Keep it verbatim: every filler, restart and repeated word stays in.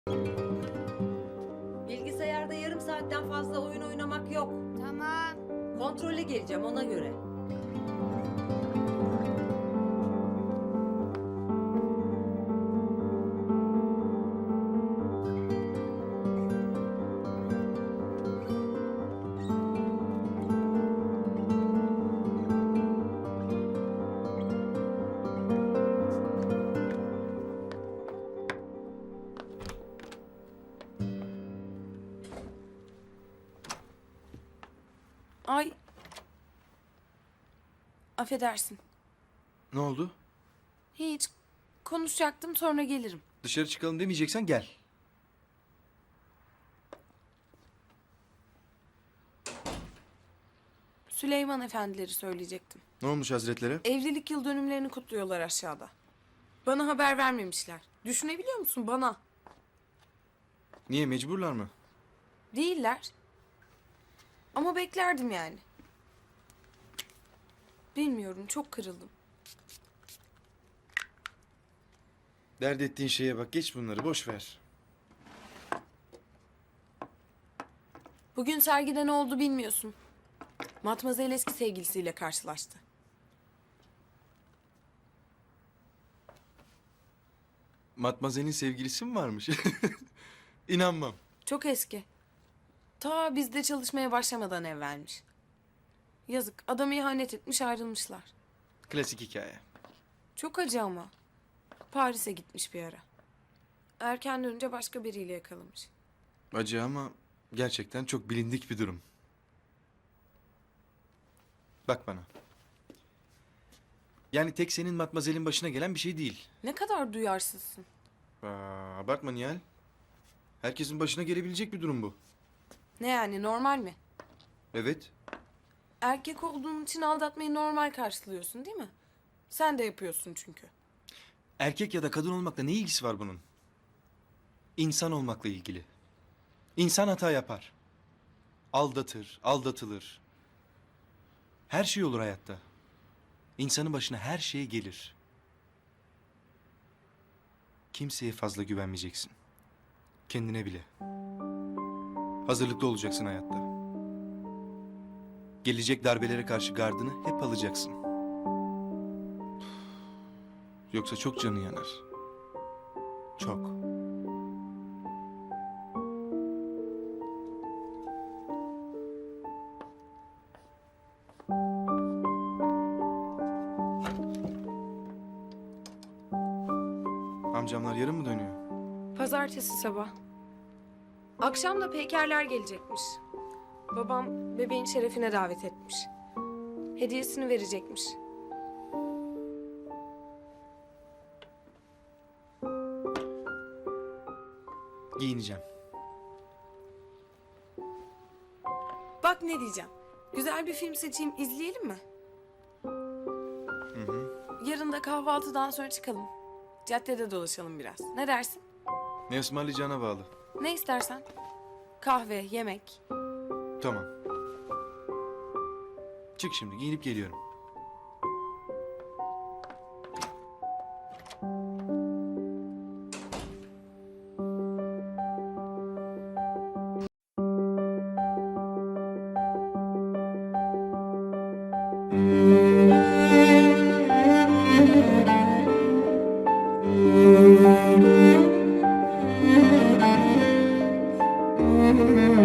Bilgisayarda yarım saatten fazla oyun oynamak yok. Tamam. Kontrole geleceğim ona göre. Ay. Affedersin. Ne oldu? Hiç. Konuşacaktım, sonra gelirim. Dışarı çıkalım demeyeceksen gel. Süleyman efendileri söyleyecektim. Ne olmuş hazretlere? Evlilik yıl dönümlerini kutluyorlar aşağıda. Bana haber vermemişler. Düşünebiliyor musun, bana? Niye, mecburlar mı? Değiller. Ama beklerdim yani. Bilmiyorum, çok kırıldım. Dert ettiğin şeye bak, geç bunları, boş ver. Bugün sergide ne oldu bilmiyorsun. Matmazel eski sevgilisiyle karşılaştı. Matmazel'in sevgilisi mi varmış? İnanmam. Çok eski. Ta bizde çalışmaya başlamadan evlenmiş. Yazık, adam ihanet etmiş, ayrılmışlar. Klasik hikaye. Çok acı ama. Paris'e gitmiş bir ara. Erken dönünce başka biriyle yakalamış. Acı ama gerçekten çok bilindik bir durum. Bak bana. Yani tek senin Matmazel'in başına gelen bir şey değil. Ne kadar duyarsızsın. Aa, abartma Nihal. Herkesin başına gelebilecek bir durum bu. Ne yani, normal mi? Evet. Erkek olduğun için aldatmayı normal karşılıyorsun değil mi? Sen de yapıyorsun çünkü. Erkek ya da kadın olmakla ne ilgisi var bunun? İnsan olmakla ilgili. İnsan hata yapar. Aldatır, aldatılır. Her şey olur hayatta. İnsanın başına her şey gelir. Kimseye fazla güvenmeyeceksin. Kendine bile. Hazırlıklı olacaksın hayatta. Gelecek darbelere karşı gardını hep alacaksın. Yoksa çok canı yanar. Çok. Amcamlar yarın mı dönüyor? Pazartesi sabah. Akşam da Peykerler gelecekmiş. Babam bebeğin şerefine davet etmiş. Hediyesini verecekmiş. Giyineceğim. Bak ne diyeceğim. Güzel bir film seçeyim, izleyelim mi? Hı hı. Yarın da kahvaltıdan sonra çıkalım. Caddede dolaşalım biraz. Ne dersin? Ne ısmarlayacağına bağlı. Ne istersen. Kahve, yemek. Tamam. Çık şimdi, giyinip geliyorum. Thank you.